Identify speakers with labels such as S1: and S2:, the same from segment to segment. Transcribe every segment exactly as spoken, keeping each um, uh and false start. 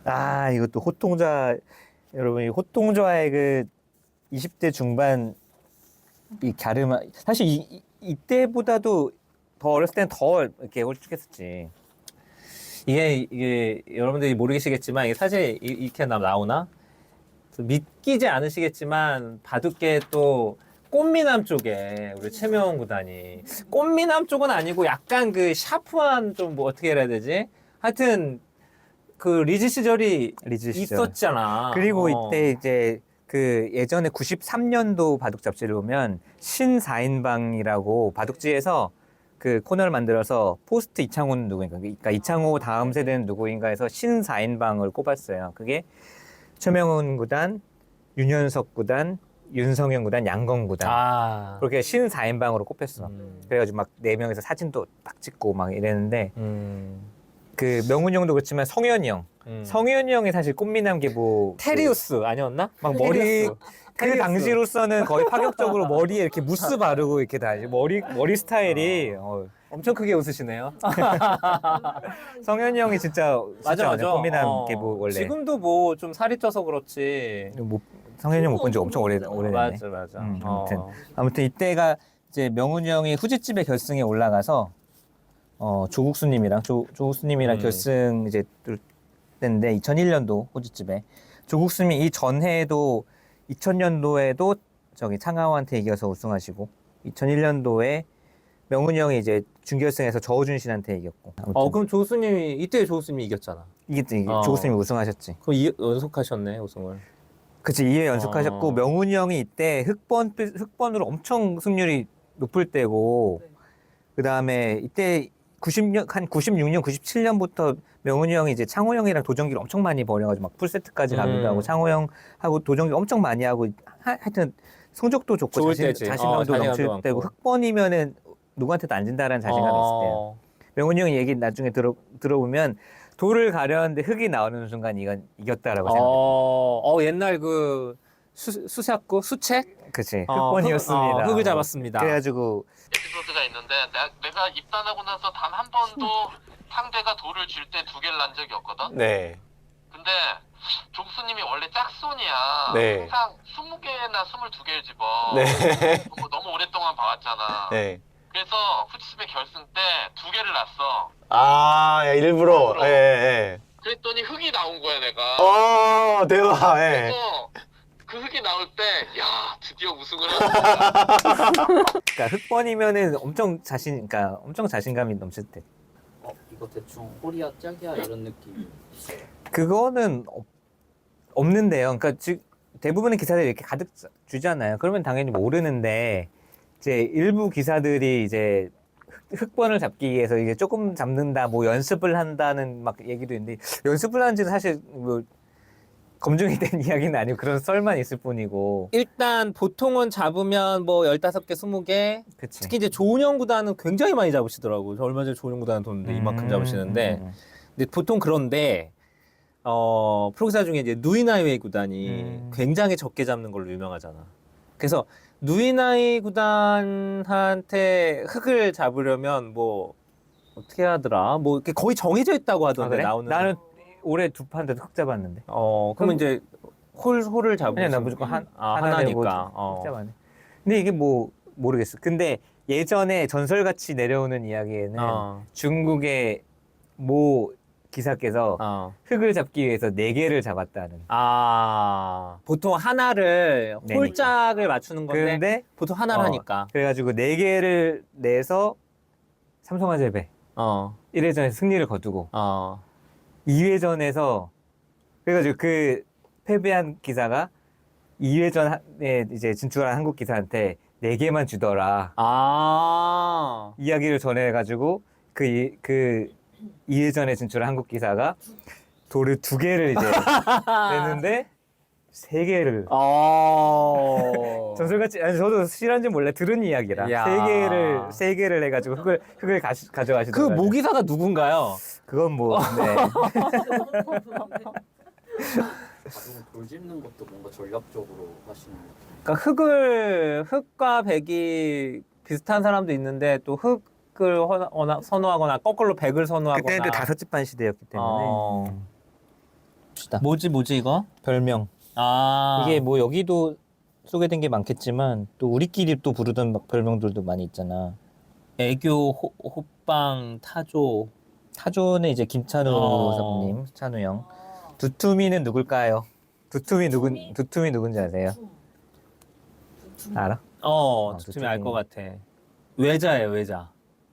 S1: 아, 이것도 호통좌, 여러분, 이 호통좌의 그 이십 대 중반 이 갸름한, 사실 이, 이, 이때보다도 더 어렸을 때는 더 이렇게 홀쭉했었지. 이게, 이게, 여러분들이 모르시겠지만, 이게 사실 이- 이렇게 나- 나오나? 믿기지 않으시겠지만, 바둑계 또 꽃미남 쪽에 우리 최명훈 구단이, 꽃미남 쪽은 아니고 약간 그 샤프한 좀 뭐 어떻게 해야 되지? 하여튼, 그 리즈 시절이
S2: 리즈 시절.
S1: 있었잖아.
S2: 그리고
S1: 어.
S2: 이때 이제 그 예전에 구십삼 년도 바둑 잡지를 보면 신사인방이라고 바둑지에서 그 코너를 만들어서 포스트 이창호는 누구인가, 그러니까 이창호 다음 세대는 누구인가 해서 신사인방을 꼽았어요. 그게 최명훈 구단, 윤현석 구단, 윤성현 구단, 양건 구단.
S1: 아.
S2: 그렇게 신사인방으로 꼽혔어.
S1: 음.
S2: 그래가지고 막 네 명에서 사진도 딱 찍고 막 이랬는데
S1: 음.
S2: 그 명훈 형도 그렇지만 성현이 형,
S1: 음.
S2: 성현이 형이 사실 꽃미남 계보
S1: 테리우스 아니었나?
S2: 막 머리
S1: 테리우스.
S2: 그
S1: 테리우스.
S2: 당시로서는 거의 파격적으로 머리에 이렇게 무스 바르고 이렇게 다니 머리 머리 스타일이 어.
S1: 엄청 크게 웃으시네요.
S2: 성현이 형이 진짜
S1: 맞아 맞아.
S2: 꽃미남
S1: 어.
S2: 계보 원래
S1: 지금도 뭐 좀 살이 쪄서 그렇지.
S2: 뭐, 성현이 형 못 본 지 엄청 오래 오래됐네.
S1: 맞아 맞아.
S2: 음,
S1: 어.
S2: 아무튼 아무튼 이때가 이제 명훈이 형이 후지집에 결승에 올라가서 어 조국수님이랑 조 조국수님이랑
S1: 음.
S2: 결승 이제 뚫 때인데 이천일 년도 후지집에 조국수님이 이 전해에도 이천 년도에도 저기 창하오한테 이겨서 우승하시고 이천일 년도에 명훈이 형이 이제 준결승에서 저우준 씨한테 이겼고. 아무튼
S1: 어 그럼 조수님이 이때 조수님이 이겼잖아.
S2: 이게 또 이게
S1: 어.
S2: 조국수님이 우승하셨지.
S1: 그럼 이, 연속하셨네 우승을.
S2: 그치 이 회 연속하셨고
S1: 어.
S2: 명훈이 형이 이때 흑번 흑번으로 엄청 승률이 높을 때고 그 다음에 이때 구십 년 한 구십육 년 구십칠 년부터 명훈이 형이 이제 창호 형이랑 도전기를 엄청 많이 벌여가지고 막 풀세트까지 가기도
S1: 음.
S2: 하고 창호 형하고 도전기 엄청 많이 하고 하, 하여튼 성적도 좋고
S1: 좋을
S2: 자신,
S1: 때지.
S2: 자신감도
S1: 어, 자신감도
S2: 넘칠
S1: 많고.
S2: 때고 흑번이면은 누구한테도 안 진다라는 자신감이 있을 때요.
S1: 어.
S2: 명훈이 형이 얘기 나중에 들어 들어보면 돌을 가려는데 흙이 나오는 순간 이건 이겼다라고 생각해.
S1: 어, 어 옛날 그 수, 수사구 수책
S2: 그치
S1: 어,
S2: 흑번이었습니다.
S1: 흙, 어, 흙을 잡았습니다.
S2: 그래가지고
S3: 에피소드가 있는데 내가, 내가 입단하고 나서 단 한 번도 상대가 돌을 줄 때 두 개를 난 적이 없거든.
S1: 네.
S3: 근데 족수님이 원래 짝손이야.
S1: 네.
S3: 항상 스무 개나 스물두 개를 집어.
S1: 네.
S3: 너무, 너무 오랫동안 봐왔잖아.
S1: 네.
S3: 그래서 후치집의 결승 때 두 개를 났어.
S4: 아, 야, 일부러. 예, 예.
S3: 그랬더니 흙이 나온 거야 내가.
S4: 어, 대박. 예.
S3: 그래서 그 흙이 나올 때 야 드디어 우승을 하는구나.
S2: 그러니까 흑번이면은 엄청 자신, 그러니까 엄청 자신감이 넘칠 때.
S5: 어, 이거 대충 호리야 짝이야 이런 느낌.
S2: 그거는 없, 없는데요. 그러니까 즉 대부분의 기사들이 이렇게 가득 주잖아요. 그러면 당연히 모르는데 이제 일부 기사들이 이제 흑- 흑번을 잡기 위해서 이제 조금 잡는다, 뭐 연습을 한다는 막 얘기도 있는데 연습을 하는지는 사실 뭐 검증이 된 이야기는 아니고 그런 썰만 있을 뿐이고.
S1: 일단 보통은 잡으면 뭐 열다섯 개, 스무 개.
S2: 그치.
S1: 특히 이제 조은영 구단은 굉장히 많이 잡으시더라고. 저 얼마 전에 조은영 구단 뒀는데 이만큼
S2: 음,
S1: 잡으시는데.
S2: 음, 음.
S1: 근데 보통 그런데 어 프로기사 중에 이제 누이나이웨이 구단이
S2: 음.
S1: 굉장히 적게 잡는 걸로 유명하잖아. 그래서 누이나이 구단한테 흙을 잡으려면 뭐 어떻게 하더라? 뭐 이렇게 거의 정해져 있다고
S2: 아,
S1: 하던데
S2: 그래?
S1: 나오는.
S2: 나는 올해 두 판 데도 흑 잡았는데.
S1: 어 그러면 이제 홀 홀을 잡으면
S2: 아니야, 나 무조건 한,
S1: 아,
S2: 하나 내고
S1: 하나니까. 어.
S2: 흑 잡았네. 근데 이게 뭐 모르겠어. 근데 예전에 전설같이 내려오는 이야기에는
S1: 어.
S2: 중국의 모 기사께서
S1: 어.
S2: 흙을 잡기 위해서 네 개를 잡았다는.
S1: 아 보통 하나를
S2: 네니까.
S1: 홀짝을 맞추는 건데
S2: 그런데
S1: 보통 하나를
S2: 어,
S1: 하니까.
S2: 그래가지고 네 개를 내서 삼성화재배
S1: 어.
S2: 일 회전에서 승리를 거두고
S1: 어.
S2: 이 회전에서 그래가지고 그 패배한 기사가 이 회전에 이제 진출한 한국 기사한테 네 개만 주더라
S1: 아.
S2: 이야기를 전해가지고 그 이 그 이 회전에 진출한 한국 기사가 돌을 두 개를 이제 냈는데 세 개를
S1: 어.
S2: 전설같이 아니 저도 실한지 몰래 들은 이야기라
S1: 야.
S2: 세 개를 세 개를 해가지고 흙을 흙을 가시,
S1: 그
S2: 가져가시더라고요.
S1: 모기사가 누군가요?
S2: 그건 뭐 네.
S5: 바둑은 돌 짚는 것도 뭔가 전략적으로 하시는 것 같아요.
S1: 그러니까 흙을 흙과 백이 비슷한 사람도 있는데 또 흙을 허나- 선호하거나 거꾸로 백을 선호하거나.
S2: 그때는 또 다섯 집반 시대였기 때문에
S1: 어. 봅시다.
S2: 뭐지 뭐지 이거?
S1: 별명.
S2: 아
S1: 이게 뭐 여기도 소개된 게 많겠지만 또 우리끼리 또 부르던 막 별명들도 많이 있잖아.
S2: 애교 호, 호빵 타조.
S1: 타조는 이제 김찬우
S2: 어.
S1: 사부님, 찬우 형. 두툼이는 누굴까요? 두툼이 누군
S6: 두툼이?
S1: 두툼이 누군지 아세요?
S6: 두툼.
S1: 알아?
S2: 어
S1: 어,
S2: 두툼이 알
S1: 두툼이.
S2: 것 같아. 외자예요 외자.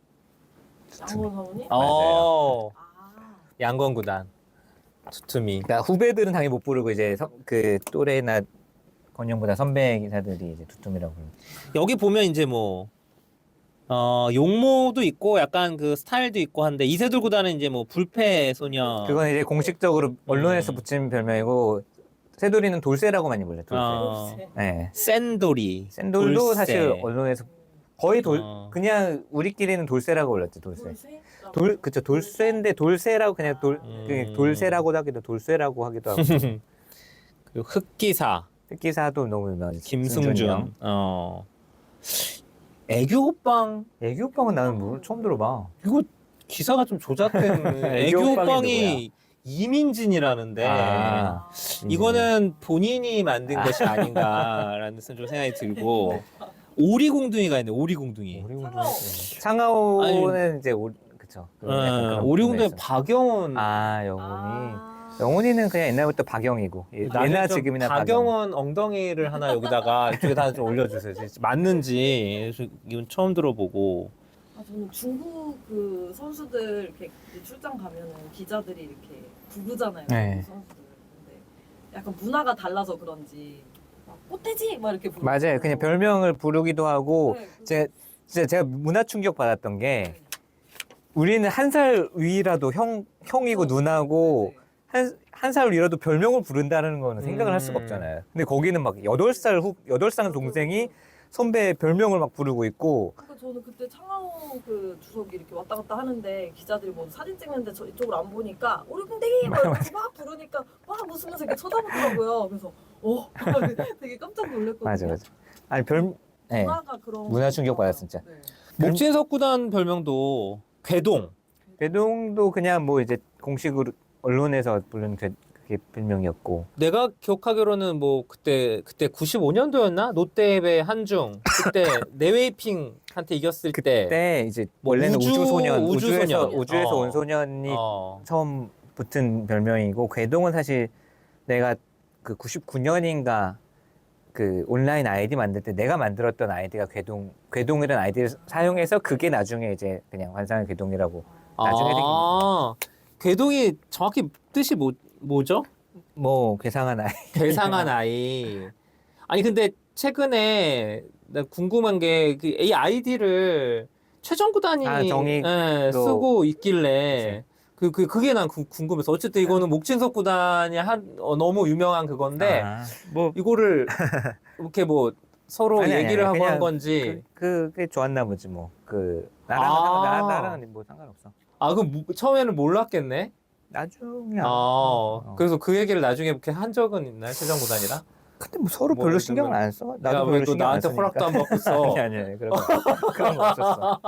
S6: 양원 사모님?
S2: 어
S6: 아.
S2: 양건 구단. 두툼이.
S1: 그러니까 후배들은 당연히 못 부르고 이제 선- 그 또래나 건영보다 선배 기사들이 이제 두툼이라고 부르고.
S2: 여기 보면 이제 뭐 어, 용모도 있고 약간 그 스타일도 있고 한데 이세돌 구단은 이제 뭐 불패 소녀.
S1: 그건 이제 공식적으로 언론에서
S2: 음.
S1: 붙인 별명이고 새돌이는 돌쇠라고 많이 불러요. 돌쇠.
S2: 어,
S1: 네.
S2: 센돌이.
S1: 샌돌도
S2: 돌쇠.
S1: 사실 언론에서 거의 돌
S2: 어.
S1: 그냥 우리끼리는 돌쇠라고 불렀지 돌쇠.
S6: 돌쇠?
S1: 돌 그쵸 돌쇠인데 돌쇠라고 그냥 돌
S2: 음.
S1: 그 돌쇠라고도 하기도 돌쇠라고 하기도 하고
S2: 그리고 흑기사
S1: 특기사도 너무 유명하지. 승준이
S2: 김승준.
S1: 형.
S2: 어. 애교 호빵
S1: 애기 오빠는 나는 뭐 처음 들어봐.
S2: 이거 기사가 좀 조작된 애교
S1: 애교 호빵이
S2: 호빵이 이민진이라는데
S1: 아,
S2: 이거는 본인이 만든 것이 아닌가라는 좀 생각이 들고 오리공둥이가 있네 오리공둥이.
S1: 오리공둥이. 상하오는 이제 오 그쵸. 그 약간
S2: 어,
S1: 그런
S2: 오리공둥이
S1: 부분에서.
S2: 박영훈.
S1: 아 영훈이
S6: 아.
S1: 영훈이는 그냥 옛날부터 박영이고 예-
S2: 나중에
S1: 예나
S2: 좀
S1: 지금이나
S2: 박영원 엉덩이를 하나 여기다가 이쪽에다 좀 올려주세요. 진짜 맞는지 이건 처음 들어보고.
S6: 아, 저는 중국 그 선수들 이렇게 출장 가면은 기자들이 이렇게 부르잖아요.
S1: 네.
S6: 그 선수들. 근데 약간 문화가 달라서 그런지 막 꽃돼지 막 이렇게 부르고.
S1: 맞아요. 그냥 별명을 부르기도 하고
S6: 네, 그-
S1: 제 진짜 제가 문화 충격 받았던 게
S6: 네.
S1: 우리는 한 살 위라도 형 형이고 누나고
S6: 네, 네.
S1: 한 한 살 위라도 별명을 부른다는 거는 생각을 할 수가
S2: 음.
S1: 없잖아요. 근데 거기는 막 여덟 살 후 여덟 살 동생이 선배 별명을 막 부르고 있고
S6: 그러니까 저는 그때 창하오 그 주석이 이렇게 왔다 갔다 하는데 기자들이 뭐 사진 찍는데 저 이쪽으로 안 보니까 오리궁뎅이 막 이러면서 막 부르니까 막 웃으면서 이렇게 쳐다보더라고요. 그래서 어 되게 깜짝 놀랐거든요.
S1: 맞아 맞아. 아니 별 네.
S6: 문화가 그런
S1: 문화 충격 받았어, 진짜.
S6: 네.
S2: 목진석 구단 별명도 궤동.
S1: 배동도 그냥 뭐 이제 공식으로 언론에서 부른 그- 그게 별명이었고
S2: 내가 기억하기로는 뭐 그때 그때 구십오 년도였나 롯데배 한중 그때 네웨이핑한테 이겼을 때
S1: 그때 이제
S2: 뭐
S1: 원래는
S2: 우주-
S1: 우주소년
S2: 우주
S1: 우주에서
S2: 소년.
S1: 우주에서
S2: 어.
S1: 온 소년이
S2: 어.
S1: 처음 붙은 별명이고 궤동은 사실 내가 그 구십구 년인가 그 온라인 아이디 만들 때 내가 만들었던 아이디가 궤동 궤동이라는 아이디를 사용해서 그게 나중에 이제 그냥 환상의 궤동이라고 나중에 생긴
S2: 아, 궤동이 정확히 뜻이 뭐, 뭐죠?
S1: 뭐 괴상한 아이
S2: 괴상한 아이. 아니 근데 최근에 나 궁금한 게 이 아이디를 최정 구단이
S1: 아, 정의
S2: 예,
S1: 또-
S2: 쓰고 있길래 그, 그, 그게 난 구- 궁금해서 어쨌든 이거는 목진석 구단이 한 어, 너무 유명한 그건데
S1: 아, 뭐
S2: 이거를 이렇게 뭐 서로
S1: 아니, 아니,
S2: 얘기를
S1: 아니,
S2: 하고 한
S1: 그냥
S2: 건지
S1: 그, 그게 좋았나 보지 뭐 그 나랑
S2: 아.
S1: 상관- 나, 나랑은 뭐 상관없어
S2: 아 그럼 무- 처음에는 몰랐겠네.
S1: 나중에
S2: 아,
S1: 어.
S2: 그래서 그 얘기를 나중에 이렇게 한 적은 있나요, 최정 구단이랑?
S1: 근데 뭐 서로
S2: 뭐
S1: 별로
S2: 예를
S1: 신경을
S2: 들면
S1: 안 써.
S2: 야,
S1: 나도
S2: 왜
S1: 별로
S2: 또
S1: 신경 안
S2: 나한테
S1: 쓰니까.
S2: 허락도 안 받고 써?
S1: 아니 아니 아니 그런 거 그런 거 없었어.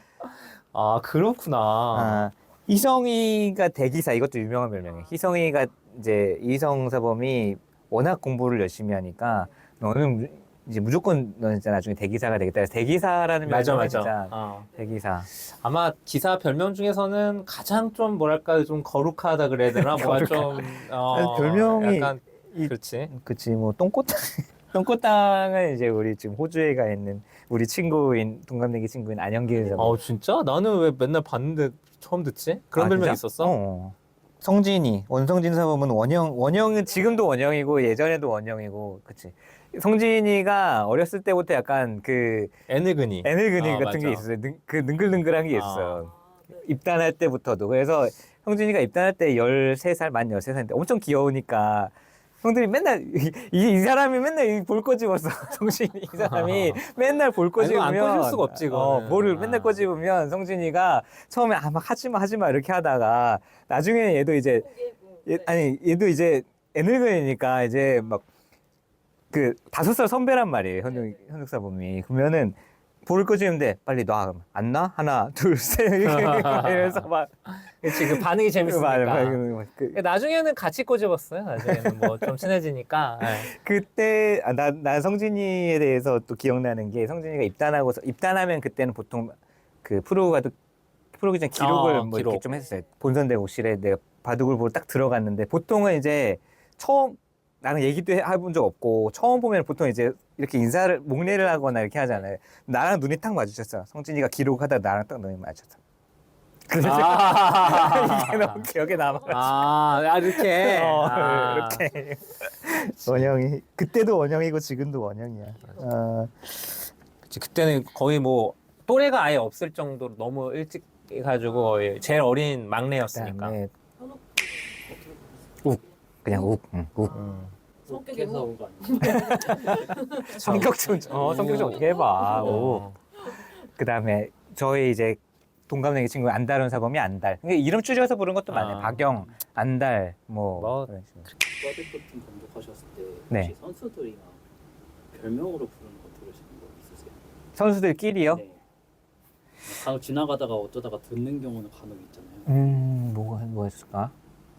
S2: 아 그렇구나.
S1: 아, 희성이가 대기사 이것도 유명한 별명이에요. 희성이가 이제 이성사범이 워낙 공부를 열심히 하니까 너는 무- 이제 무조건 너는 진짜 나중에 대기사가 되겠다. 그래서 대기사라는
S2: 맞아
S1: 별명이
S2: 맞아.
S1: 진짜
S2: 어.
S1: 대기사.
S2: 아마 기사 별명 중에서는 가장 좀 뭐랄까 좀 거룩하다 그래야 되나 뭐가 좀 어,
S1: 아니, 별명이
S2: 약간
S1: 이-
S2: 그렇지.
S1: 그치 뭐 똥꼬땅 똥꼬땅은 이제 우리 지금 호주에 가 있는 우리 친구인 동갑내기 친구인 안영길 사범.
S2: 어 진짜? 나는 왜 맨날 봤는데 처음 듣지? 그런
S1: 아,
S2: 별명
S1: 진짜?
S2: 있었어?
S1: 어. 성진이 원성진 사범은 원영 원영은 지금도 원영이고 예전에도 원영이고 그치. 성진이가 어렸을 때부터 약간 그
S2: 애늙은이.
S1: 애늙은이
S2: 아,
S1: 같은 게
S2: 맞아.
S1: 있었어요. 능, 그 능글능글한 게
S2: 아.
S1: 있었어요. 입단할 때부터도. 그래서 성진이가 입단할 때 열세 살, 만 열세 살인데 엄청 귀여우니까 형들이 맨날 이, 이, 이 사람이 맨날 이 볼 꼬집었어. 성진이 이 사람이 맨날 볼
S2: 아니, 이거 안
S1: 꼬집으면
S2: 꼬집을 수가 없지,
S1: 어,
S2: 그거는.
S1: 볼을
S2: 아.
S1: 맨날 꼬집으면 성진이가 처음에 아 막 하지마 하지마 이렇게 하다가 나중에 얘도 이제 얘, 아니 얘도 이제 애늙은이니까 이제 막 그 다섯 살 선배란 말이에요. 현욱 현욱 사범이 그러면은 볼을 끄지는데 빨리 놔. 그러면 안 나? 하나, 둘, 셋 이러면서 막
S2: 그치, 그 반응이 재밌으니까.
S1: 그, 그,
S2: 나중에는 같이 꼬집었어요. 나중에는 뭐 좀 친해지니까. 네.
S1: 그때 아, 나, 나 성진이에 대해서 또 기억나는 게 성진이가 입단하고 입단하면 그때는 보통 그 프로가도 프로기전 기록을
S2: 어,
S1: 뭐
S2: 기록.
S1: 이렇게 좀 했어요. 본선 대국실에 내가 바둑을 보러 딱 들어갔는데 보통은 이제 처음 나는 얘기도 해- 해본 적 없고 처음 보면 보통 이제 이렇게 인사를 목례를 하거나 이렇게 하잖아요. 나랑 눈이 딱 마주쳤어. 성진이가 기록하다 나랑 딱 눈이 마주쳤어. 그래서
S2: 아,
S1: 이게 너무 기억에 남아.
S2: 아, 아, 이렇게.
S1: 어,
S2: 아.
S1: 이렇게 원영이 그때도 원영이고 지금도 원영이야. 어,
S2: 그치, 그때는 거의 뭐 또래가 아예 없을 정도로 너무 일찍 해가지고 거의 제일 어린 막내였으니까.
S1: 그다음에
S6: 현욱
S1: 욱 그냥 욱, 응, 욱.
S6: 성격이
S5: 해서
S6: 뭐
S5: 온거 아니에요?
S1: 성격 좀, 어, 성격 좀 어떻게 해봐. 욱.
S2: 어.
S1: 그다음에 저희 이제 동갑내기 친구 안달은 사범이 안달. 이게 이름 줄여서 부른 것도 많아요.
S2: 아.
S1: 박영, 안달, 뭐,
S2: 뭐,
S1: 그런 식으로.
S5: 국가대표팀 감독하셨을 때 혹시
S1: 네.
S5: 선수들이나 별명으로 부르는 거 들으시는 거 있으세요?
S1: 선수들끼리요?
S5: 네. 간혹 지나가다가 어쩌다가 듣는 경우는 간혹 있잖아요.
S1: 음, 뭐가 뭐 했을까?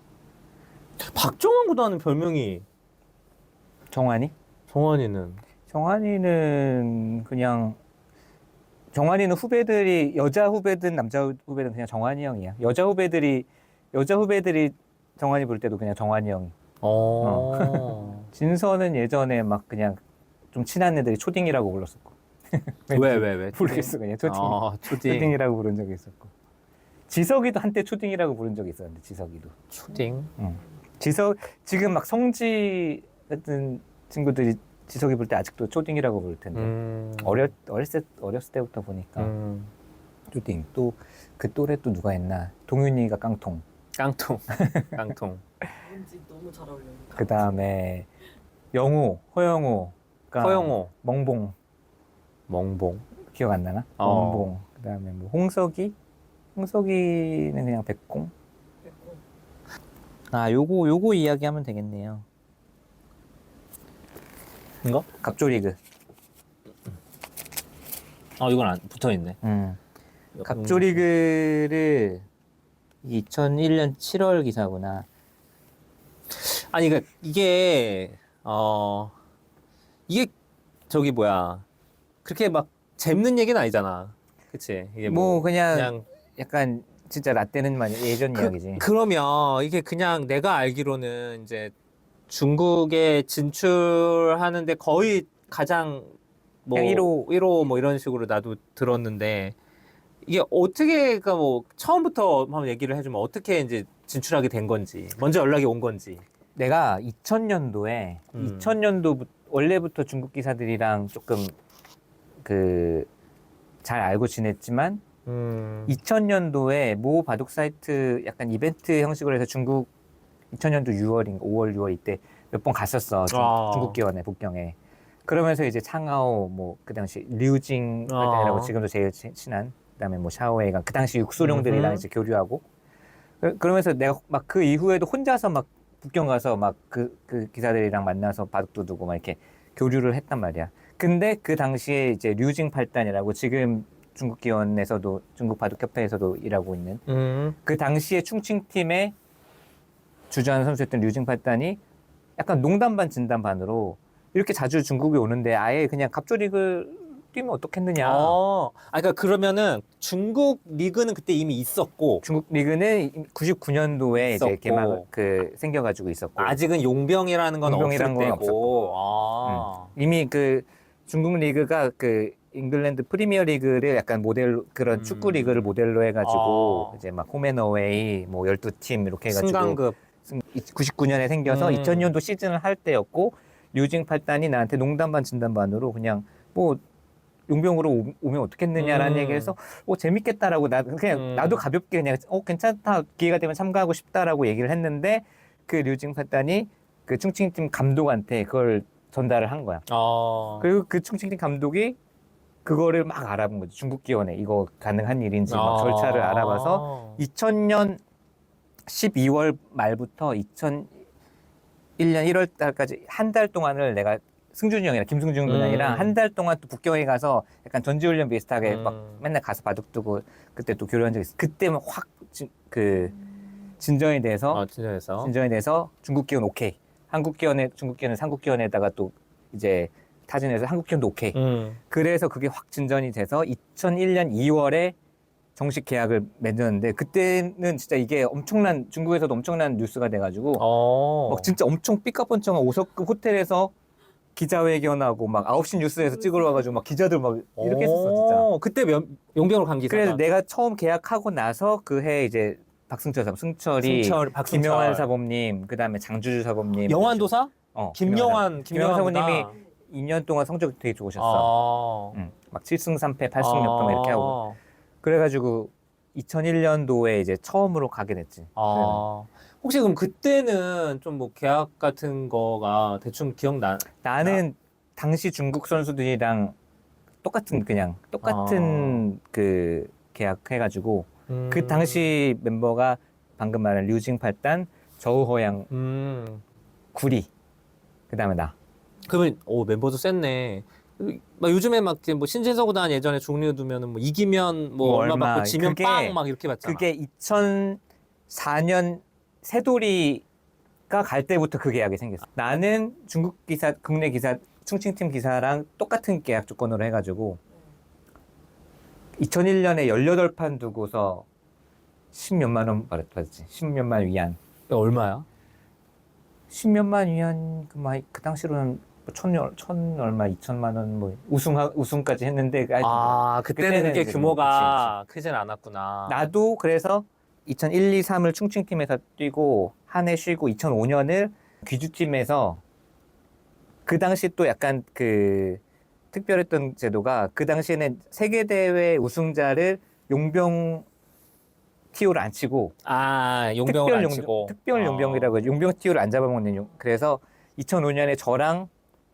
S2: 박정환 구단은 별명이
S1: 정환이?
S2: 정환이는
S1: 정환이는 그냥 정환이는 후배들이 여자 후배든 남자 후배든 그냥 정환이 형이야. 여자 후배들이 여자 후배들이 정환이 부를 때도 그냥 정환이 형.
S2: 어.
S1: 진서는 예전에 막 그냥 좀 친한 애들이 초딩이라고 불렀었고.
S2: 왜, 왜, 왜?
S1: 모르겠어 그냥 초딩.
S2: 어, 초딩.
S1: 초딩이라고 부른 적이 있었고. 지석이도 한때 초딩이라고 부른 적이 있었는데 지석이도.
S2: 초딩.
S1: 응. 지석 지금 막 성지 같은 친구들이 지석이 부를 때 아직도 초딩이라고 부를 텐데.
S2: 음.
S1: 어렸 어렸을 때, 어렸을 때부터 보니까
S2: 음.
S1: 초딩. 또 그 또래 또 누가 했나? 동윤이가 깡통.
S2: 깡통. 깡통.
S6: 왠지 너무 잘 어울려요.
S1: 그 다음에 영호, 허영호가
S2: 허영호.
S1: 멍봉
S2: 멍봉.
S1: 기억 안 나나?
S2: 어.
S1: 멍봉. 그 다음에 뭐 홍석이, 홍석이는 그냥 백공.
S6: 그랬고.
S1: 아, 요거 요거 이야기하면 되겠네요.
S2: 이거?
S1: 갑조리그.
S2: 아, 이건 안 붙어 있네.
S1: 음. 갑조리그를 이천일 년 칠월 기사구나.
S2: 아니, 그러니까 이게 어 이게 저기 뭐야 그렇게 막 재밌는 얘기는 아니잖아, 그치? 이게
S1: 뭐, 그냥,
S2: 그냥
S1: 약간 진짜 라떼는 많이 예전
S2: 그,
S1: 이야기지.
S2: 그러면 이게 그냥 내가 알기로는 이제 중국에 진출하는데 거의 가장 뭐
S1: 그냥 일 호.
S2: 일 호 뭐 이런 식으로 나도 들었는데 이게 어떻게 그러니까 뭐 처음부터 한번 얘기를 해주면 어떻게 이제 진출하게 된 건지 먼저 연락이 온 건지.
S1: 내가 이천 년도에
S2: 음.
S1: 이천 년도 원래부터 중국 기사들이랑 조금 그 잘 알고 지냈지만
S2: 음.
S1: 이천 년도에 모 바둑 사이트 약간 이벤트 형식으로 해서 중국 이천 년도 유월인가 오월 유월 이때 몇 번 갔었어. 중,
S2: 아.
S1: 중국 기원에 북경에. 그러면서 이제 창하오 뭐 그 당시 류징
S2: 아.
S1: 라고 지금도 제일 치- 친한 그다음에 뭐 샤오웨이가 그 당시 육수룡들이랑
S2: 음흠.
S1: 이제 교류하고 그- 그러면서 내가 막 그 이후에도 혼자서 막 북경 가서 막 그 그 기사들이랑 만나서 바둑도 두고 막 이렇게 교류를 했단 말이야. 근데 그 당시에 이제 류징 팔단이라고 지금 중국 기원에서도 중국 바둑협회에서도 일하고 있는
S2: 음.
S1: 그 당시에 충칭 팀에 주저하는 선수였던 류징 팔단이 약간 농담 반 진담 반으로 이렇게 자주 중국에 오는데 아예 그냥 갑조리그 뛰면 어떻겠느냐.
S2: 어. 아, 그러니까 그러면은 중국 리그는 그때 이미 있었고
S1: 중국 리그는 구십구 년도에 이제
S2: 있었고.
S1: 개막 그 생겨가지고 있었고
S2: 아직은 용병이라는 건
S1: 용병이란
S2: 없을
S1: 건
S2: 때고. 아.
S1: 이미 그 중국 리그가 그 잉글랜드 프리미어 리그를 약간 모델 그런
S2: 음.
S1: 축구 리그를 모델로 해가지고
S2: 아.
S1: 이제 막 홈앤어웨이 뭐 열두 팀 이렇게 해가지고
S2: 승강급.
S1: 구십구 년에 생겨서
S2: 음.
S1: 이천 년도 시즌을 할 때였고 류징 팔단이 나한테 농담 반 진담 반으로 그냥 뭐 용병으로 오- 오면 어떻겠느냐라는
S2: 음.
S1: 얘기해서 어 재밌겠다라고 나 그냥
S2: 음.
S1: 나도 가볍게 그냥 어 괜찮다 기회가 되면 참가하고 싶다라고 얘기를 했는데 그 류징 팔단이 그 충칭팀 감독한테 그걸 전달을 한 거야.
S2: 어.
S1: 그리고 그 충칭팀 감독이 그거를 막 알아본 거지. 중국 기원에 이거 가능한 일인지 막 절차를 알아봐서 이천 년 십이월 말부터 이천일 년 일월 달까지 한 달 동안을 내가
S2: 승준이 형이랑 김승준 군이랑
S7: 음.
S2: 한 달 동안 또 북경에 가서 약간 전지훈련 비슷하게
S7: 음.
S2: 막 맨날 가서 바둑 두고 그때 또 교류한 적이 있어. 그때만 확그 진전이 돼서
S7: 아, 진짜에서.
S2: 진전이 돼서 중국 기원 오케이. 한국 기원에 중국 기원은 한국 기원에다가 또 이제 타진해서 한국 기원도 오케이.
S7: 음.
S2: 그래서 그게 확 진전이 돼서 이천일 년 이월에 정식 계약을 맺었는데 그때는 진짜 이게 엄청난 중국에서도 엄청난 뉴스가 돼가지고
S7: 어.
S2: 막 진짜 엄청 삐까뻔쩍한 오석급 호텔에서 기자회견하고 막 아홉 시 뉴스에서 찍으러 와가지고 막 기자들 막 이렇게 했었어 진짜.
S7: 어, 그때 면, 용병으로 간 기사가.
S2: 그래서 내가 처음 계약하고 나서 그 해 이제 박승철 사범, 승철이,
S7: 승철, 박승철.
S2: 김영환 사범님, 그 다음에 장주주 사범님,
S7: 영환도사?
S2: 어,
S7: 김영환,
S2: 김영환
S7: 김영환
S2: 사범님이 이 년 동안 성적 되게 좋으셨어.
S7: 아.
S2: 응. 막 칠 승 삼 패, 팔 승 몇 패 이렇게 하고. 그래가지고 이천일 년도에 이제 처음으로 가게 됐지.
S7: 아. 혹시 그럼 그때는 좀 뭐 계약 같은 거가 대충 기억나?
S2: 나는 당시 중국 선수들이랑 똑같은 그냥 똑같은 그 계약해가지고
S7: 음.
S2: 그 당시 멤버가 방금 말한 류징팔단, 저우허양,
S7: 음.
S2: 구리, 그 다음에 나.
S7: 그러면 오 멤버도 셌네. 막 요즘에 막 뭐 신진서 구단 예전에 종료 두면은 뭐 이기면 뭐,
S2: 뭐
S7: 얼마
S2: 얼마,
S7: 받고 지면
S2: 그게-
S7: 빵 막 이렇게 받잖아.
S2: 그게 이천사 년 새돌이가 갈 때부터 그 계약이 생겼어. 나는 중국 기사, 국내 기사, 충칭팀 기사랑 똑같은 계약 조건으로 해가지고 이천일 년에 열여덟 판 두고서 십몇만 원 받았지. 십몇만 위안.
S7: 얼마야?
S2: 십몇만 위안 그, 막, 그 당시로는 뭐 천, 열- 천 얼마, 이천만 원 뭐 우승 우승까지 했는데 그
S7: 아 그때는
S2: 그때는
S7: 그게
S2: 이제
S7: 규모가 크진 않았구나.
S2: 나도 그래서 이천일, 이, 삼을 충칭팀에서 뛰고 한 해 쉬고 이천오 년을 귀주팀에서 그 당시 또 약간 그 특별했던 제도가 그 당시에는 세계대회 우승자를 용병 티오를 안 치고
S7: 아 용병을 안
S2: 용-
S7: 치고
S2: 특별 용병이라고 해서 용병 티오를 안 잡아먹는 용. 그래서 이천오 년에 저랑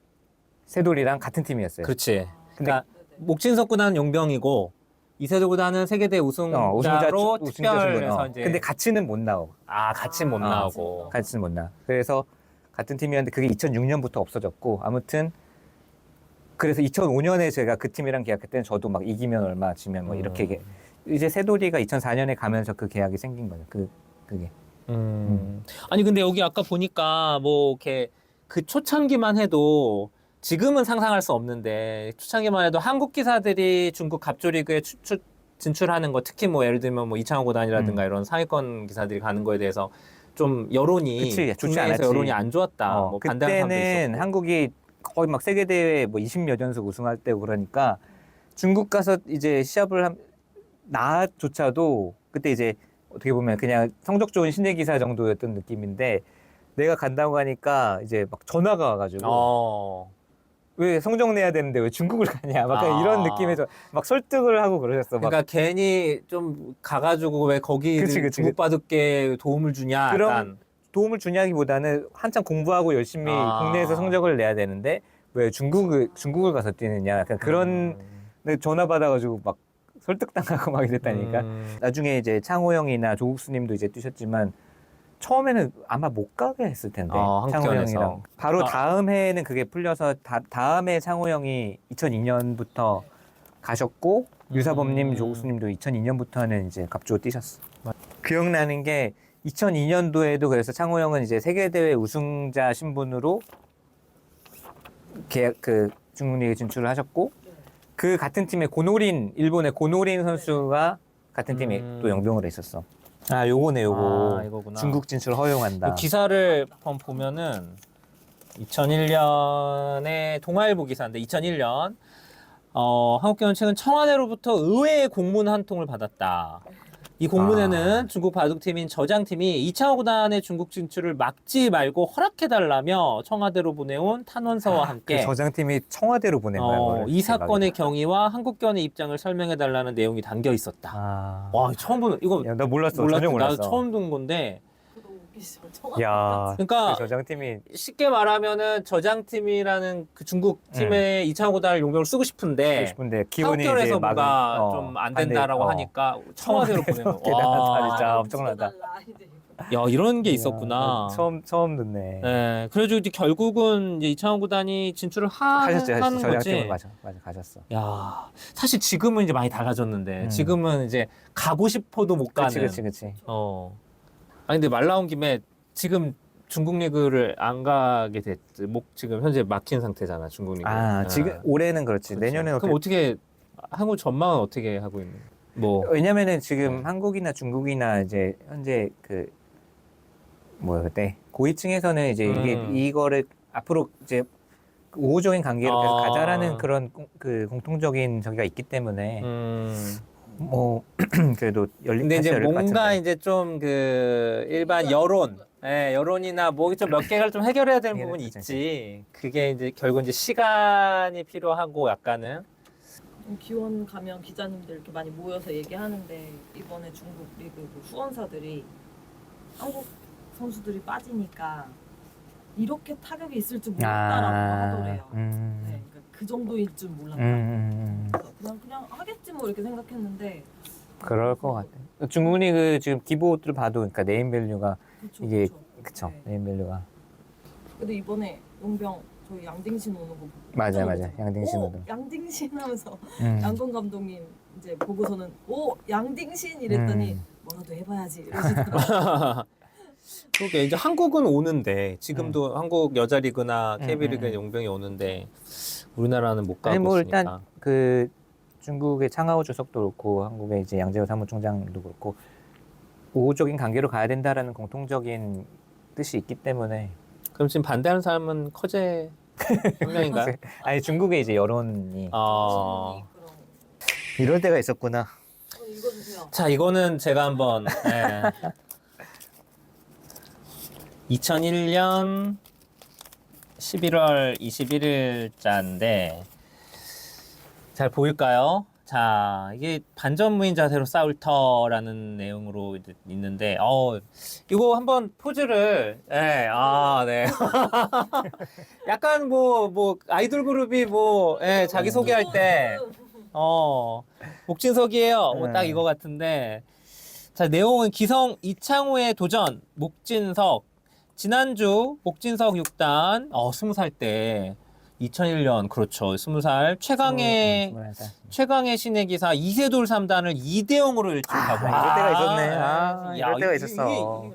S2: 세돌이랑 같은 팀이었어요.
S7: 그렇지. 그러니까 목진석 구단은 용병이고 이세돌 구단은 세계대 우승자로
S2: 어, 우승자 축- 우승자
S7: 특별해서
S2: 신분. 어.
S7: 이제
S2: 근데 같이는 못 나오고.
S7: 아 같이 못
S2: 어.
S7: 나오고.
S2: 같이는 못 나. 그래서 같은 팀이었는데 그게 이천육 년부터 없어졌고 아무튼 그래서 이천오 년에 제가 그 팀이랑 계약할 때는 저도 막 이기면 얼마 지면 뭐 이렇게
S7: 음.
S2: 계- 이제 세돌이가 이천사 년에 가면서 그 계약이 생긴 거예요. 그 그게.
S7: 음. 아니 근데 여기 아까 보니까 뭐 이렇게 그 초창기만 해도 지금은 상상할 수 없는데 초창기만 해도 한국 기사들이 중국 갑조리그에 추, 추, 진출하는 거 특히 뭐 예를 들면 뭐 이창호 구단이라든가
S2: 음.
S7: 이런 상위권 기사들이 가는 거에 대해서 좀 여론이
S2: 그치, 좋지
S7: 국내에서
S2: 않았지.
S7: 여론이 안 좋았다.
S2: 어,
S7: 뭐 반대하는 사람도
S2: 그때는
S7: 있었고.
S2: 한국이 거의 막 세계 대회 뭐 이십몇 연속 우승할 때고 그러니까 중국 가서 이제 시합을 한 나조차도 그때 이제 어떻게 보면 그냥 성적 좋은 신예 기사 정도였던 느낌인데 내가 간다고 하니까 이제 막 전화가 와가지고
S7: 어.
S2: 왜 성적 내야 되는데 왜 중국을 가냐 막
S7: 아.
S2: 이런 느낌에서 막 설득을 하고 그러셨어. 막
S7: 그러니까 괜히 좀 가가지고 왜 거기
S2: 그치, 그치.
S7: 중국 바둑계 도움을 주냐.
S2: 그럼
S7: 약간.
S2: 도움을 주냐기보다는 한참 공부하고 열심히
S7: 아.
S2: 국내에서 성적을 내야 되는데 왜 중국을 중국을 가서 뛰느냐 약간 그런
S7: 음.
S2: 근데 전화 받아가지고 막 설득당하고 막 이랬다니까.
S7: 음.
S2: 나중에 이제 창호 형이나 조국수님도 이제 뛰셨지만 처음에는 아마 못 가게 했을 텐데
S7: 아, 한국
S2: 창호
S7: 기원에서.
S2: 형이랑 바로
S7: 아.
S2: 다음 해에는 그게 풀려서 다, 다음 해 창호 형이 이천이 년부터 가셨고 유사범님,
S7: 음.
S2: 조국수님도 이천이 년부터는 이제 갑주로 뛰셨어. 기억나는 게 이천이 년도에도 그래서 창호 형은 이제 세계대회 우승자 신분으로 계약 그 중국 리그 진출을 하셨고 그 같은 팀에 고노린 일본의 고노린 선수가 같은 팀에
S7: 음.
S2: 또 영병으로 있었어. 아 요거네 요거.
S7: 아, 이거구나.
S2: 중국 진출 허용한다.
S7: 그 기사를 한번 보면은 이천일 년에 동아일보 기사인데 이천일 년 어, 한국경은 최근 청와대로부터 의외의 공문 한 통을 받았다. 이 공문에는
S2: 아.
S7: 중국 바둑팀인 저장팀이 이창호 구단의 중국 진출을 막지 말고 허락해달라며 청와대로 보내온 탄원서와 함께
S2: 그 저장팀이 청와대로 보낸 거야.
S7: 어,
S2: 그거를.
S7: 이 사건의
S2: 대박이다.
S7: 경위와 한국견의 입장을 설명해달라는 내용이 담겨 있었다.
S2: 아.
S7: 와 처음 보는 이거
S2: 야, 나 몰랐어.
S7: 몰랐,
S2: 전혀 몰랐어.
S7: 나도 처음 듣는 건데
S6: 그거 웃기시죠. 청와대
S2: 야.
S7: 그러니까
S2: 그 저장팀이
S7: 쉽게 말하면은 저장팀이라는 그 중국 팀의 이창호 구단을 용병을 쓰고 싶은데
S2: 하고 싶은데 기온이 이제
S7: 한국결에서
S2: 막은-
S7: 뭔가
S2: 어,
S7: 좀 안
S2: 반대-
S7: 된다라고
S2: 어.
S7: 하니까 청와대로 보내는 거.
S2: 대단하다,
S7: 와.
S2: 진짜.
S6: 아,
S2: 엄청나다.
S6: 붙여달라, 이제 이거.
S7: 야, 이런 게 있었구나.
S2: 처음 처음 듣네.
S7: 네, 그래가지고 이제 결국은 이제 이창호 구단이 진출을 하,
S2: 가셨죠,
S7: 하는
S2: 가셨죠. 전략팀을
S7: 거지.
S2: 가셨, 맞아, 가셨어.
S7: 야, 사실 지금은 이제 많이 달라졌는데
S2: 음.
S7: 지금은 이제 가고 싶어도 못 가는.
S2: 그렇지, 그렇지, 그렇지.
S7: 어. 아니 근데 말 나온 김에 지금 중국 리그를 안 가게 됐지. 목 지금 현재 막힌 상태잖아, 중국 리그.
S2: 아, 지금 올해는 그렇지.
S7: 그렇죠.
S2: 내년에는
S7: 그럼 어떻게 한국 전망은 어떻게 하고 있는? 뭐
S2: 왜냐면은 지금
S7: 네.
S2: 한국이나 중국이나 이제 현재 그 뭐야 그때 고위층에서는 이제 이게
S7: 음.
S2: 이거를 앞으로 이제 우호적인 관계로 계속
S7: 아.
S2: 가자라는 그런 공- 그 공통적인 저기가 있기 때문에
S7: 음.
S2: 뭐 그래도 열린
S7: 근데
S2: 다시
S7: 이제
S2: 열릴 것
S7: 뭔가
S2: 같은데.
S7: 이제 좀 그 일반 여론, 예, 여론이나 뭐 좀 몇 개를 좀 해결해야 되는
S2: 해결해야
S7: 부분이
S2: 되지.
S7: 있지. 그게 이제 결국 이제 시간이 필요하고 약간은
S6: 좀 기원 가면 기자님들 이렇게 많이 모여서 얘기하는데 이번에 중국 리그 그 후원사들이 한국 선수들이 빠지니까 이렇게 타격이 있을 줄 몰랐다라고 하더래요.
S2: 음.
S6: 네, 그러니까 그 정도일 줄
S2: 음,
S6: 몰랐다.
S2: 음, 음.
S6: 그래서 그냥 그냥 하겠지 뭐 이렇게 생각했는데
S2: 그럴 것 같아. 중국 리그 지금 기보를 봐도 그러니까 네임밸류가
S6: 그쵸,
S2: 이게
S6: 그쵸.
S2: 그쵸.
S6: 네.
S2: 네임밸류가
S6: 근데 이번에 용병 저희 양딩신 오는 거 보고
S2: 맞아요,
S6: 깜짝
S2: 맞아요.
S6: 놀랐어요.
S2: 양딩신
S6: 오,
S2: 오는.
S6: 양딩신 하면서
S2: 음.
S6: 양건 감독님 이제 보고서는 오 양딩신 이랬더니
S2: 음.
S6: 뭐라도 해봐야지 이러시더라고요.
S7: 그게 이제 한국은 오는데 지금도 한국 여자 리그나
S2: 음,
S7: 케이비 리그
S2: 음, 음.
S7: 용병이 오는데 우리나라는 못 가고
S2: 아니 뭐
S7: 있으니까.
S2: 일단 그 중국의 창하오 주석도 그렇고 한국의 이제 양재호 사무총장도 그렇고 우호적인 관계로 가야 된다라는 공통적인 뜻이 있기 때문에
S7: 그럼 지금 반대하는 사람은 커제 한 명인가요?
S2: 아니 중국의 이제 여론이
S7: 어.
S6: 그럼
S2: 이럴 때가 있었구나.
S6: 어, 읽어주세요.
S7: 자, 이거는 제가 한번 예. 이천일 년 십일월 이십일일자인데 잘 보일까요? 자, 이게 반전무인 자세로 싸울 터라는 내용으로 이제 있는데, 어, 이거 한번 포즈를, 예, 아, 네. 약간 뭐, 뭐, 아이돌 그룹이 뭐, 예, 자기 소개할 때, 어, 목진석이에요. 뭐 딱
S2: 네.
S7: 이거 같은데. 자, 내용은 기성 이창호의 도전, 목진석. 지난주 목진석 육 단, 어, 스무 살 때, 이천일 년, 그렇죠. 스무 살. 최강의,
S2: 스물한 살.
S7: 최강의 신의 기사 이세돌 삼 단을 이 대 영으로 일찍하고.
S2: 아, 이럴 때가 있었네. 아, 이럴 때가 있었어.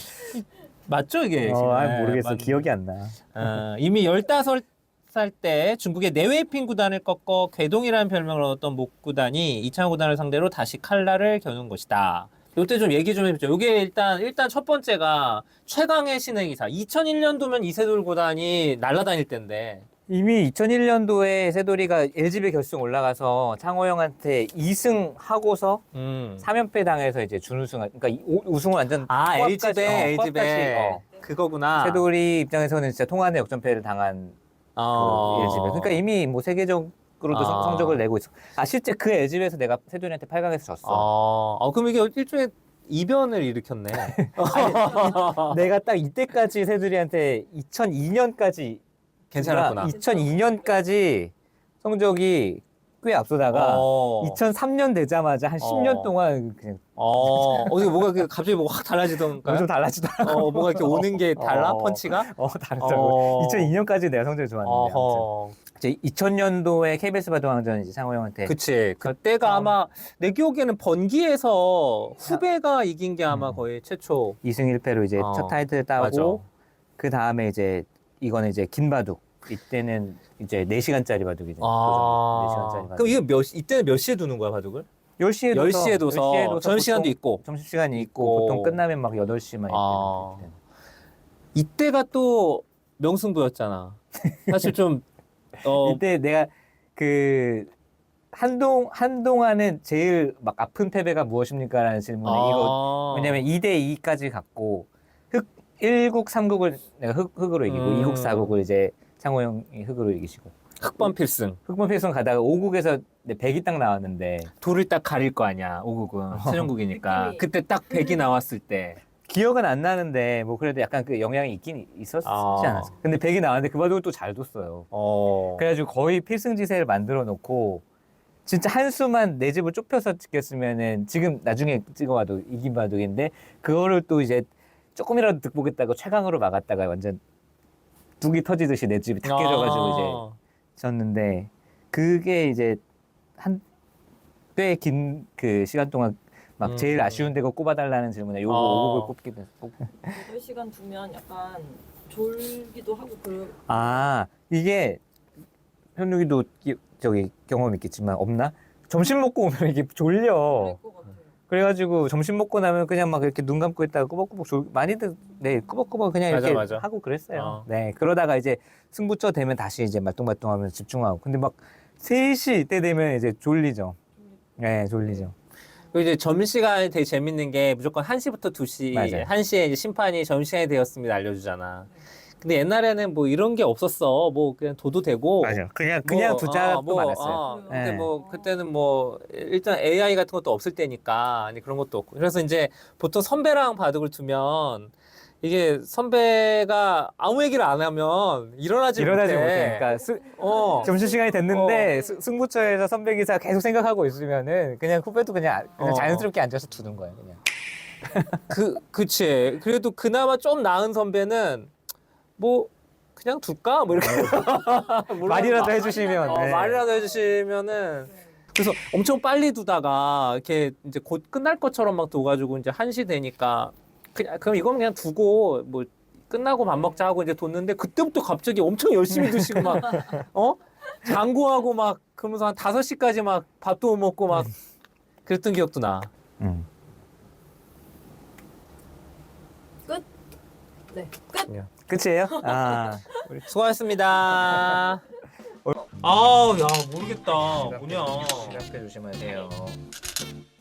S7: 맞죠, 이게?
S2: 어, 아,
S7: 네,
S2: 모르겠어.
S7: 맞-
S2: 기억이 안 나.
S7: 어, 이미 열다섯 살 때 중국의 내외핑 구단을 꺾어 괴동이라는 별명을 얻었던 목 구단이 이창호 구단을 상대로 다시 칼날을 겨눈 것이다. 요때 좀 얘기 좀 해보죠. 요게 일단, 일단 첫 번째가 최강의 신의 기사. 이천일 년도면 이세돌 구단이 날아다닐 때인데.
S2: 이미 이천일 년도에 세돌이가 엘지비 결승 올라가서 창호 형한테 이 승 하고서
S7: 음.
S2: 삼 연패 당해서 이제 준우승, 그러니까 이- 오- 우승을 완전
S7: 아,
S2: 코앞까지,
S7: 엘지배,
S2: 어,
S7: 엘지배.
S2: 코앞까지, 어.
S7: 그거구나.
S2: 세돌이 입장에서는 진짜 통안의 역전패를 당한
S7: 어.
S2: 그 엘지배. 그러니까 이미 뭐 세계적으로도
S7: 아.
S2: 성- 성적을 내고 있어. 아 실제 그 엘지배에서 내가 세돌이한테 팔 강에서 졌어.
S7: 어, 어, 그럼 이게 일종의 이변을 일으켰네.
S2: 내가 딱 이때까지 세돌이한테 이천이 년까지
S7: 괜찮았구나.
S2: 이천이 년까지 성적이 꽤 앞서다가
S7: 어.
S2: 이천삼 년 되자마자 한 십 년
S7: 어.
S2: 동안 그냥
S7: 어, 어디 뭐가 그 갑자기 뭐가 확 달라지던가?
S2: 좀 달라지더라고.
S7: 어, 뭐가 이렇게 오는 게 달라?
S2: 어.
S7: 펀치가?
S2: 어, 다르더라고.
S7: 어.
S2: 이천이 년까지 내가 성적이 좋았는데. 아무튼.
S7: 어허.
S2: 이제 이천 년도에 케이비에스 바둑왕전 이제 창호 형한테
S7: 그치. 그때가 아마 내 기억에는 번기에서 후배가 이긴 게 아마
S2: 음.
S7: 거의 최초.
S2: 이 승 일 패로 이제
S7: 어.
S2: 첫 타이틀
S7: 맞아.
S2: 따고 그 다음에 이제 이거는 이제 긴 바둑. 이때는 이제 네 시간짜리 바둑이죠.
S7: 아.
S2: 네 시간짜리 바둑.
S7: 그럼 이게 몇, 시- 이때는 몇 시에 두는 거야, 바둑을?
S2: 열 시에
S7: 열 시에 둬서 점심시간도 있고.
S2: 점심시간이 있고,
S7: 있고.
S2: 보통 끝나면 막 여덟 시만
S7: 아.
S2: 이렇게.
S7: 이때가 또 명승부였잖아. 사실 좀, 어,
S2: 이때 내가 그 한동 한동안은 제일 막 아픈 패배가 무엇입니까라는 질문에 이거
S7: 아.
S2: 왜냐면 이 대 이까지 갔고 흑 일 국 삼 국을 내가 흑, 흑으로 이기고
S7: 음.
S2: 이 국 사 국을 이제 창호 형이 흑으로 이기시고
S7: 흑번 필승.
S2: 흑번 필승 가다가 오 국에서 백이 딱 나왔는데
S7: 돌을 딱 가릴 거 아니야, 오국은. 최종국이니까.
S6: 느낌이.
S7: 그때 딱 백이 나왔을 때.
S2: 기억은 안 나는데 뭐 그래도 약간 그 영향이 있긴 있었지
S7: 아.
S2: 않았어. 근데 백이 나왔는데 그 바둑을 또 잘 뒀어요.
S7: 어.
S2: 그래가지고 거의 필승지세를 만들어 놓고 진짜 한 수만 내 집을 좁혀서 찍혔으면은 지금 나중에 찍어봐도 이긴 바둑인데 그거를 또 이제 조금이라도 득보겠다고 최강으로 막았다가 완전 뚝이 터지듯이 내 집이 탁 깨져가지고 이제
S7: 아.
S2: 졌는데 그게 이제 한 꽤 긴 그 시간 동안 막
S7: 음.
S2: 제일 아쉬운 데고 꼽아달라는 질문에 요거
S7: 아.
S2: 오 곡을 꼽기도 꼽.
S6: 여덟 시간 두면 약간 졸기도 하고 그럴
S2: 아 이게 현욱이도 기- 저기 경험 있겠지만 없나? 점심 먹고 오면 이게 졸려.
S6: 것 같아요.
S2: 그래가지고 점심 먹고 나면 그냥 막 이렇게 눈 감고 있다가 꾸벅꾸벅 졸 많이들 네 꾸벅꾸벅 그냥
S7: 맞아,
S2: 이렇게
S7: 맞아.
S2: 하고 그랬어요.
S7: 어.
S2: 네 그러다가 이제 승부처 되면 다시 이제 말똥말똥하면서 집중하고. 근데 막 세 시 때 되면 이제 졸리죠. 네 졸리죠.
S7: 그리고 이제 점심시간이 되게 재밌는 게 무조건 한 시부터 두 시,
S2: 맞아요.
S7: 한 시에 이제 심판이 점심시간이 되었습니다 알려주잖아. 근데 옛날에는 뭐 이런 게 없었어. 뭐 그냥 둬도 되고.
S2: 맞아. 그냥 그냥
S7: 뭐,
S2: 두자도
S7: 어, 뭐,
S2: 많았어요.
S7: 어, 근데
S2: 네.
S7: 뭐 그때는 뭐 일단 에이아이 같은 것도 없을 때니까 아니 그런 것도 없고. 그래서 이제 보통 선배랑 바둑을 두면 이게 선배가 아무 얘기를 안 하면 일어나지
S2: 일어나지
S7: 못해.
S2: 못해. 그러니까 스,
S7: 어.
S2: 점심 시간이 됐는데
S6: 어.
S2: 스- 승부처에서 선배 기사 계속 생각하고 있으면은 그냥 후배도 그냥, 그냥
S7: 어.
S2: 자연스럽게 앉아서 두는 거예요. 그냥.
S7: 그 그치. 그래도 그나마 좀 나은 선배는 뭐 그냥 둘까? 뭐 이렇게 물론
S2: 말이라도
S7: 마-
S2: 해주시면.
S7: 어,
S2: 네.
S7: 말이라도 해주시면은 그래서 엄청 빨리 두다가 이렇게 이제 곧 끝날 것처럼 막 둬가지고 이제 한 시 되니까 그냥 그럼 이건 그냥 두고 뭐 끝나고 밥 먹자 하고 이제 뒀는데 그때부터 갑자기 엄청 열심히 드시고 막 어 장구하고 막 그러면서 한 다섯 시까지 막 밥도 못 먹고 막 그랬던 기억도 나.
S2: 음.
S6: 네, 끝.
S2: 끝이에요? 아.
S7: 수고하셨습니다. 아우 야 모르겠다 뭐냐.
S2: 시각대 조심하세요.